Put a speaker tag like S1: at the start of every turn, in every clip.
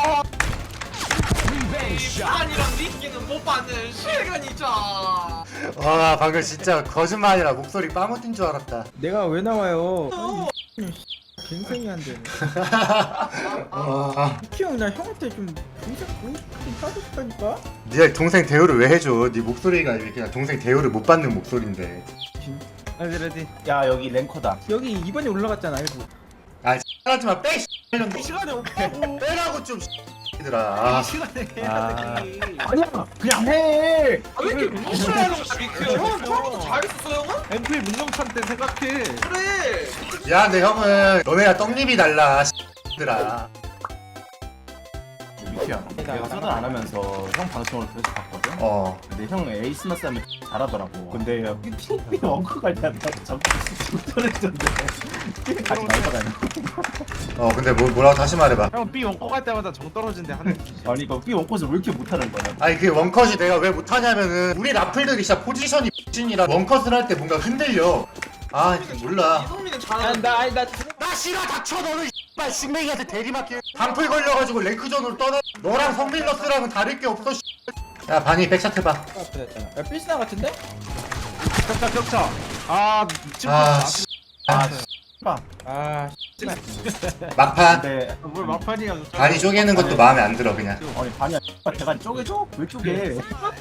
S1: 아니랑 미끼는 못 받는 실견이죠.
S2: 와 방금 진짜 거짓말이라 목소리 빠무틴 줄 알았다.
S3: 내가 왜 나와요? 갱생이 안 되네.
S2: 와
S3: 키형 나 형한테 좀 동생 보고 싶긴 하겠다니까.
S2: 네 동생 대우를 왜 해줘? 네 목소리가 이렇게 그냥 동생 대우를 못 받는 목소리인데.
S3: 레디.
S4: 야 여기 랭커다.
S3: 여기 이번에 올라갔잖아 알고.
S2: 아 하지마 빼.
S1: 시간이 없다고.
S2: 빼라고 좀 얘들아.
S1: 시간에
S4: 아.
S1: 해야지.
S4: 아니야 그냥 해.
S1: 왜 이렇게 무시하는 거야 미크? 형 처음부터 잘했었어 형은?
S5: 앰플 문정찬 때 생각해.
S1: 그래.
S2: 야 근데 형은 너네가 떡잎이 달라. 얘들아.
S4: 미키야. 내가 서든 안 하면서 형 방송을 계속 봤거든.
S2: 어.
S4: 근데 형 에이스만 싸면 잘하더라고. 근데 삐 원커 갈 때마다 자꾸 떨어졌는데 가지 말더라니.
S2: 어 근데 뭐라고 다시 말해봐.
S5: 형 B 원고 갈 때마다 정 떨어진대 하는.
S4: 아니 이거 삐 원컷을 왜 이렇게 못하는 거야?
S2: 아니 그게 원컷이 내가 왜 못하냐면은 우리 라플들이 진짜 포지션이 X이라 원컷을 할 때 뭔가 흔들려. 아 몰라.
S1: 이성민은 잘하는데.
S2: 나 싫어 닥쳐 너는 X발 싱맹이한테 대리맞게 방풀 걸려가지고 랭크전으로 떠나. 너랑 성빌러스랑은 다를 게 없어. 야 바니 백샷 해봐.
S3: 야 필스나 같은데?
S5: 격차. 아 미친 거.
S2: 아,
S3: 아
S2: 막판.
S4: 근데
S5: 뭘 막판이야.
S2: 바니 쪼개는 것도 마음에 안 들어 그냥.
S4: 아니 반이야 대가리 쪼개줘? 왜 쪼개?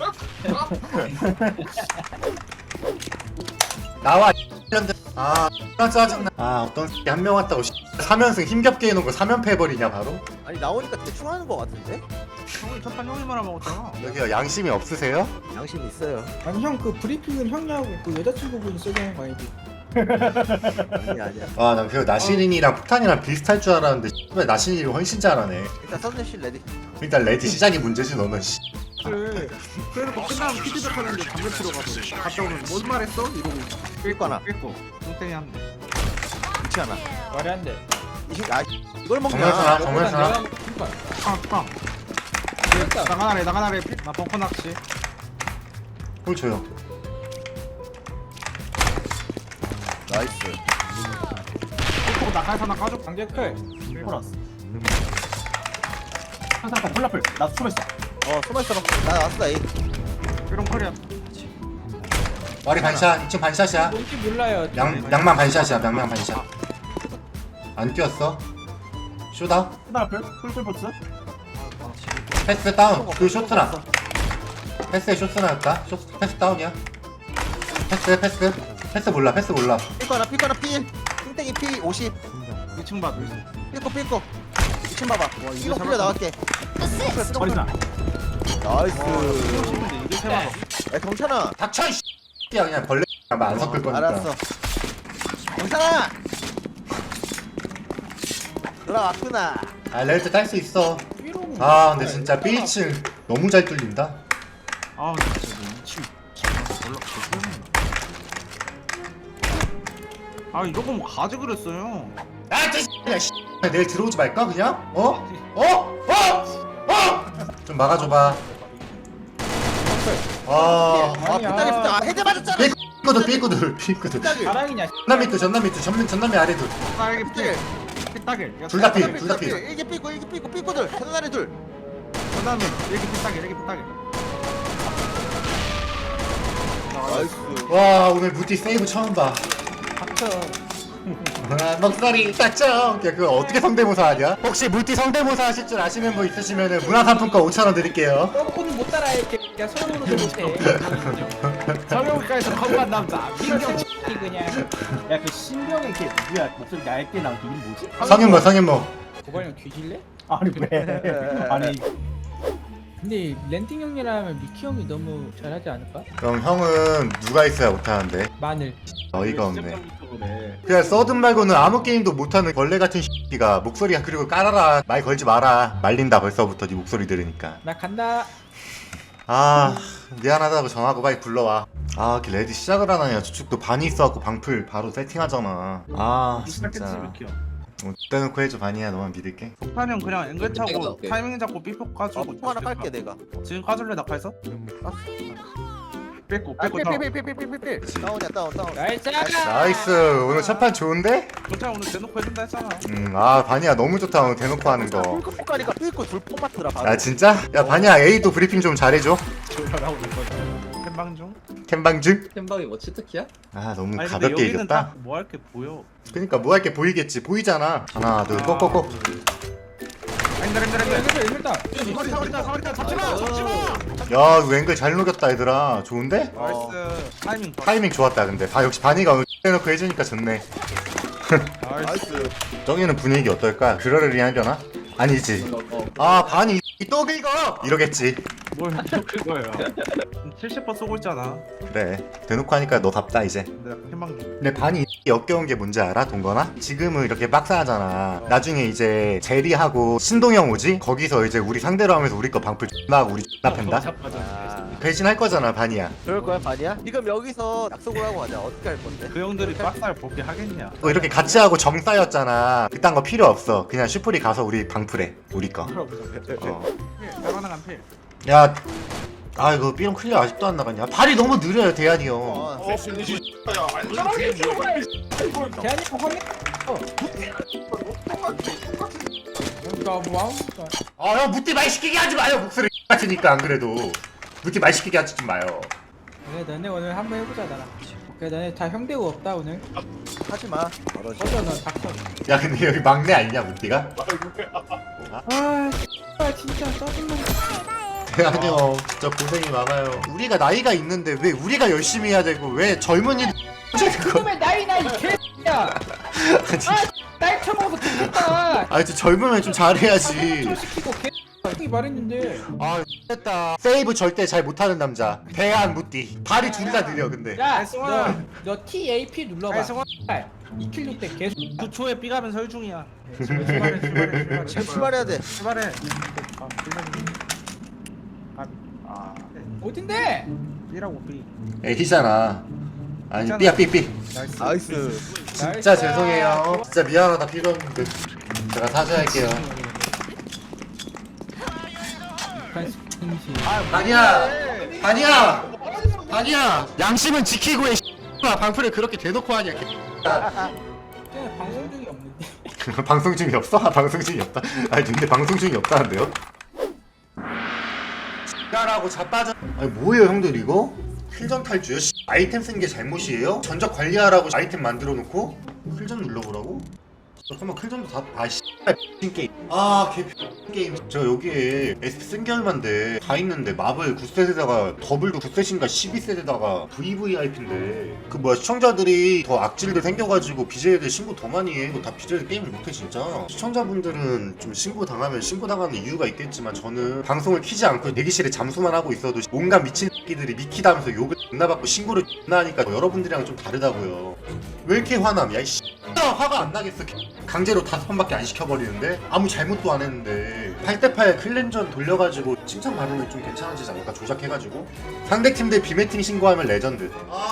S2: 나와 X년들. 아 짜증나. 아 어떤 새끼 한 명 왔다고 3연승 힘겹게 해놓은 거 3연패 해버리냐 바로?
S6: 아니 나오니까 대충 하는 거 같은데?
S5: 형이 첫판 형이 말아먹었잖아.
S2: 여기가 양심이 없으세요?
S6: 양심 있어요.
S3: 아니 형 그 브리핑은 형이하고 그 여자친구분이 써주는 거 아니지?
S6: 아니야.
S2: 아 난 그 나시린이랑 폭탄이랑 비슷할 줄 알았는데 왜 나시린이 훨씬 잘하네.
S6: 일단 선대실 레디.
S2: 일단 레디 시작이 문제지 너는.
S5: 그래. 그래놓고 끝나면 피드백 하는데 담배 피러 가서 갔다 오면 뭔 말했어? 이러고
S6: 삐거나.
S5: 뺏고 똥땡이 한대.
S6: 그렇지 않아.
S3: 말이 안 돼.
S6: 이걸 먹냐?
S2: 정면사나 정면사나.
S5: 빵빵. 나가나래. 나 벙커 낚시.
S2: 홀 줘요.
S6: 나이스.
S5: 또 나가서 나 까줘.
S3: 강제클.
S4: 플러스. 항상 콜라플 나 숨었어.
S6: 숨어있어. 나 왔어 에이.
S5: 이런 컬이야.
S2: 와리 반샷 2층 반샷이야.
S3: 뭔지 몰라요.
S2: 양만 반샷이야. 양만 반샷. 안 뛰었어. 쇼다.
S4: 콜라플 풀풀보스.
S2: 패스 다운. 그 쇼트나. 패스에 쇼트나였다. 패스 다운이야. 패스 몰라.
S6: 삐거나 필. 띵땡이 피 50.
S5: 2층 봐.
S6: 삐꼬. 2층 봐봐. 이거 풀려 나갈게.
S4: 어리나.
S6: 나이스.
S5: 이게 세만.
S6: 야 경찬아.
S2: 닥쳐 이 X야 그냥 벌레 안 섞을 거니까.
S6: 알았어. 경찬아. 들어왔구나.
S2: 아 레드 딸 수 있어. 아 근데 진짜 B층 너무 잘 뚫린다.
S5: 아 진짜 너 미친. 아 이런 거뭐 가지 그랬어요.
S2: 아 진짜 씨. 내일 들어오지 말까 그냥? 좀 막아줘봐. 아
S6: 삐딱이. 헤드 맞았잖아.
S2: 삐꾸들.
S3: 자랑이냐?
S2: 전남이 아래들.
S5: 딸기 삐딱일.
S2: 둘 다 필.
S6: 일개 삐고 삐고들. 헤드나리 둘.
S5: 그다음에 이렇게 삐딱일.
S6: 나이스.
S2: 와 오늘 무티 세이브 처음 봐.
S3: 닥쳐.
S2: 아, 먹살이 딱죠. 야 그거 어떻게 성대모사 하냐? 혹시 물티 성대모사 하실 줄 아시는 분 있으시면은 문화상품권 5,000원 드릴게요.
S3: 오늘 못 따라해. 야 서울로도 못해.
S5: 성형외과에서 건반 남자. 민경.
S3: 이 그냥.
S4: 야그 신병이 이렇게 누구야 목소리 얇게 나온 게 이름 뭐지?
S2: 성현모.
S3: 고발형 뒤질래?
S4: 아니 왜? 아니
S3: 근데 렌팅 형이라면 미키 형이 너무 잘하지 않을까?
S2: 그럼 형은 누가 있어야 못하는데?
S3: 마늘.
S2: 어이가 없네.
S4: 그래.
S2: 그냥 서든 말고는 아무 게임도 못하는 벌레 같은 X가 목소리가 그리고 깔아라 말 걸지 마라 말린다 벌써부터 네 목소리 들으니까.
S3: 나 간다.
S2: 아 미안하다고 전화하고 빨리 불러와. 아 이렇게 레디 시작을 안 하냐. 저축도 반이 있어갖고 방풀 바로 세팅하잖아. 아 진짜 떼놓고 해줘. 반이야 너만 믿을게.
S5: 폭탄형 그냥 앵글 차고 타이밍 잡고 삐폭 가지고
S6: 또 하나 깔게 내가.
S5: 지금 까줄래 낙하해서?
S1: 뺏고
S6: 아,
S1: 뺏고 다운.
S6: 필. 다운이야, 다운.
S3: 나이스.
S2: 나이스. 오늘 첫 판 좋은데?
S1: 괜찮아 오늘 대놓고 해준다 했잖아.
S2: 아 바니야 너무 좋다 오늘 대놓고 하는 거.
S6: 폴컵 가니까 삐고 둘 뽑았더라. 바로.
S2: 아 진짜? 야 바니야 A도 브리핑 좀 잘해줘.
S1: 조절하고 있거든. 캔방 중.
S2: 캠방즈?
S7: 캔방이 뭐 치트키야?
S2: 아 너무
S1: 아니 근데
S2: 가볍게
S1: 여기는
S2: 이겼다.
S1: 딱뭐 할 게 보여.
S2: 그니까 뭐 할 게 보이겠지. 보이잖아. 하나 둘 꼭꼭꼭.
S3: 일단
S1: 사거리다 잡지 마.
S2: 야 이거 앵글 잘 녹였다 얘들아. 좋은데?
S1: 나이스. 타이밍 봐.
S2: 타이밍 좋았다 근데. 역시 바니가 오늘 해놓고 해주니까 좋네.
S1: 나이스.
S2: 정이는 분위기 어떨까? 그러려니 하려나? 아니지. 아 바니 또 긁어! 이러겠지.
S1: 뭘 그거예요. 70% 쏘고 있잖아.
S2: 그래 대놓고 하니까 너답다 이제.
S1: 내가 캔방 중.
S2: 근데 반이 역겨운 게 뭔지 알아? 동건아? 지금은 이렇게 빡사하잖아. 나중에 이제 제리하고 신동영 오지? 거기서 이제 우리 상대로 하면서 우리 거 방풀 X나 하고 우리 X나 팬다? 배신할 거잖아 반이야.
S6: 그럴 거야, 반이야? 지금 여기서 약속을 하고 가자. 어떻게 할 건데?
S1: 그 형들이 빡살 볼게 하겠냐?
S2: 뭐 이렇게 같이 하고 정 쌓였잖아. 그딴 거 필요 없어. 그냥 슈프리 가서 우리 방풀해. 우리 거.
S1: 따라나간 필.
S2: 야, 아 이거 삐용 클리어 아직도 안 나갔냐? 발이 너무 느려요 대한이 형.
S3: 대한이 확인. 뭐
S2: 아 형 무띠 말 시키게 하지 마요. 목소리 같으니까 안 그래도 무띠 말 시키게 하지 좀 마요.
S3: 그래 너네 오늘 한번 해보자 나랑. 그래 너네 다 형대고 없다 오늘.
S6: 하지 마.
S3: 꺼져 너 닥쳐.
S2: 야 근데 여기 막내 아니냐 무띠가?
S3: 아 진짜 짜증나.
S2: 대한이 형 진짜 고생이 많아요. 우리가 나이가 있는데 왜 우리가 열심히 해야 되고 왜 젊은이
S3: 지금의 나이 개야. 나이 처먹어서 죽겠다.
S2: 아 진짜 젊으면 좀 잘해야지.
S3: 좀 시키고 개 말했는데.
S2: 아 됐다. 세이브 절대 잘 못하는 남자 대한 무띠. 발이 둘 다 느려 근데.
S3: 야,
S1: 송아.
S3: 너 TAP 눌러봐.
S1: 아이, 송아.
S3: 2킬로 때 계속
S1: 9초에 삐가면 설중이야.
S6: 출발해야 돼.
S1: 출발해.
S3: 어딘데?
S1: 삐라고 삐.
S2: A잖아. 아니 삐야 삐삐.
S1: 나이스.
S6: 나이스.
S2: 진짜 죄송해요. 진짜 미안하다 필요했는데 제가 사죄할게요. 아니야. 양심은 지키고 해. 방풀을 그렇게 대놓고 하냐.
S3: 방송 중이 없는데.
S2: 방송 중이 없어? 방송 중이 없다. 아니 근데 방송 중이 없다는데요? 라고 자빠져. 아니 뭐예요 형들 이거? 필전 탈주요? 아이템 쓴 게 잘못이에요? 전적 관리하라고 아이템 만들어 놓고 필전 눌러보라고? 잠깐만 클전도 다 게임. 개 게임. 저 여기에 SP 쓴 게 얼만데 다 있는데 마블 9셋에다가 더블도 9셋인가 12셋에다가 VVIP인데 그 뭐야 시청자들이 더 악질들 생겨가지고 BJ들 신고 더 많이 해. 이거 다 BJ들 게임을 못해 진짜. 시청자분들은 좀 신고 당하면 신고 당하는 이유가 있겠지만 저는 방송을 키지 않고 대기실에 잠수만 하고 있어도 온갖 미친 새끼들이 미키다면서 욕을 존나 받고 신고를 존나 하니까 여러분들이랑 좀 다르다고요. 왜 이렇게 화남? 야이 화가 안 나겠어. 강제로 5번밖에 안 시켜버리는데 아무 잘못도 안 했는데 8대8 클랜전 돌려가지고 칭찬받으면 좀 괜찮아지지 않을까? 조작해가지고 상대팀들 비매팅 신고하면 레전드.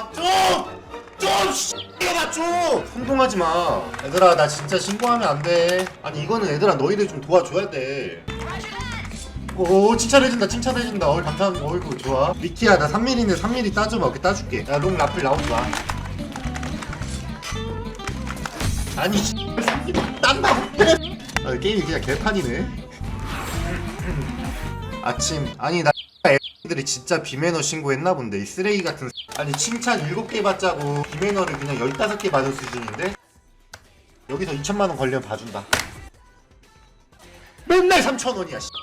S2: 좀 혼동하지마 얘들아. 나 진짜 신고하면 안돼. 아니 이거는 얘들아 너희들 좀 도와줘야 돼. 오 칭찬해준다. 감사합니다. 어이구 좋아. 미키야 나 3mm는 3mm 따줘봐. 오케이 따줄게. 야 롱 라플 나오지 마. 아니 딴다고. 아 게임이 그냥 개판이네. 아침 아니 나 애들이 진짜 비매너 신고했나 본데 이 쓰레기 같은. 아니 칭찬 7개 받자고 비매너를 그냥 15개 받을 수준인데 여기서 2천만원 걸리면 봐준다. 맨날 3,000원이야.